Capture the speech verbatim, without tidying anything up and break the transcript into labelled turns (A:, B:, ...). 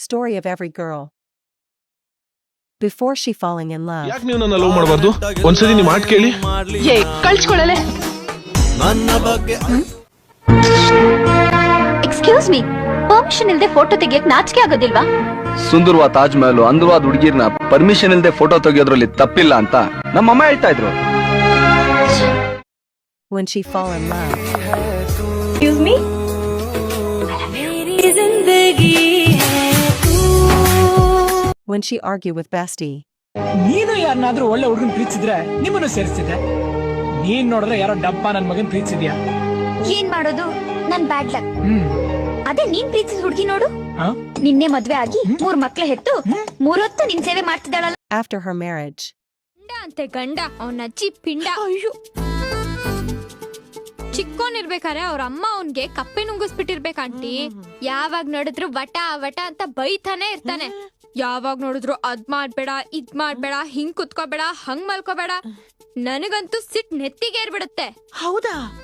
A: Story of every girl. Before she falling in love.
B: ಯಾಕೆ ನೀವು ನನ್ನ ಲವ್ ಮಾಡಬಾರ್ದು? ಒಂದ್ಸರಿ ನಿಮ್ಮ ಮಾತು ಕೇಳಿ.
C: ಏ ಕಳ್ಸ್ಕೊಳ್ಳಲೆ.
D: ಎಕ್ಸ್ಕ್ಯೂಸ್ ಮೀ, ಪರ್ಮಿಷನ್ ಇಲ್ಲದೆ ಫೋಟೋ ತೆಗಿಯಕ್ ನಾಚಿಕೆ ಆಗೋದಿಲ್ವಾ?
E: ಸುಂದರವಾದ ತಾಜ್ ಮಹಲ್ ಅಂದರವಾದ ಹುಡುಗಿರ್ನ ಪರ್ಮಿಷನ್ ಇಲ್ಲದೆ ಫೋಟೋ ತೆಗಿಯೋದ್ರಲ್ಲಿ ತಪ್ಪಿಲ್ಲ ಅಂತ ನಮ್ಮಮ್ಮ ಹೇಳ್ತಾ ಇದ್ರು.
A: When she fall in love.
D: Excuse me?
A: When she argue with bestie.
F: ನೀನು ಯಾರನ್ನಾದ್ರೂ ಒಳ್ಳೆ ಹುಡುಗನ್ ಪ್ರೀತಿಸಿದ್ರೆ ನಿಮ್ಮನ್ನು ಸೇರಿಸ್ತಿದ್ದೆ. ನೀನ್ ನೋಡಿದ್ರೆ ಯಾರೋ ಡಬ್ಬ ನನ್ ಮಗನ್ ಪ್ರೀತಿಸಿದ್ಯಾ?
D: ಏನ್ ಮಾಡೋದು, ನನ್ ಬ್ಯಾಡ್ ಲಕ್.
F: ಹ್ಮ್
D: ಅದೇ ನೀನ್ ಪ್ರೀತಿಸಿದ ಹುಡುಗಿ ನೋಡು, ನಿನ್ನೆ ಮದ್ವೆ ಆಗಿ ಮೂರ್ ಮಕ್ಳು ಹೆತ್ತು ಮೂರೊತ್ತು ನಿನ್ ಸೇವೆ ಮಾಡ್ತಿದ್ದಾಳಲ್ಲ.
A: After her marriage.
G: ಗಂಡ ಅಂತೆ ಗಂಡ, ಅವನ ಅಜ್ಜಿ ಪಿಂಡ. ಚಿಕ್ಕೋನಿರ್ಬೇಕಾರೆ ಅವ್ರ ಅಮ್ಮ ಅವನ್ಗೆ ಕಪ್ಪೆ ನುಂಗಿಸ್ಬಿಟ್ಟಿರ್ಬೇಕ ಆಂಟಿ. ಯಾವಾಗ ನೋಡಿದ್ರು ವಟ ವಟ ಅಂತ ಬೈತಾನೆ ಇರ್ತಾನೆ. ಯಾವಾಗ ನೋಡಿದ್ರು ಅದ್ ಮಾಡ್ಬೇಡ ಇದ್ ಮಾಡ್ಬೇಡ, ಹಿಂಗ್ ಕುತ್ಕೋಬೇಡ ಹಂಗ್ ಮಲ್ಕೋಬೇಡ. ನನಗಂತೂ ಸಿಟ್ ನೆತ್ತಿಗೆ ಏರ್ಬಿಡುತ್ತೆ.
C: ಹೌದಾ?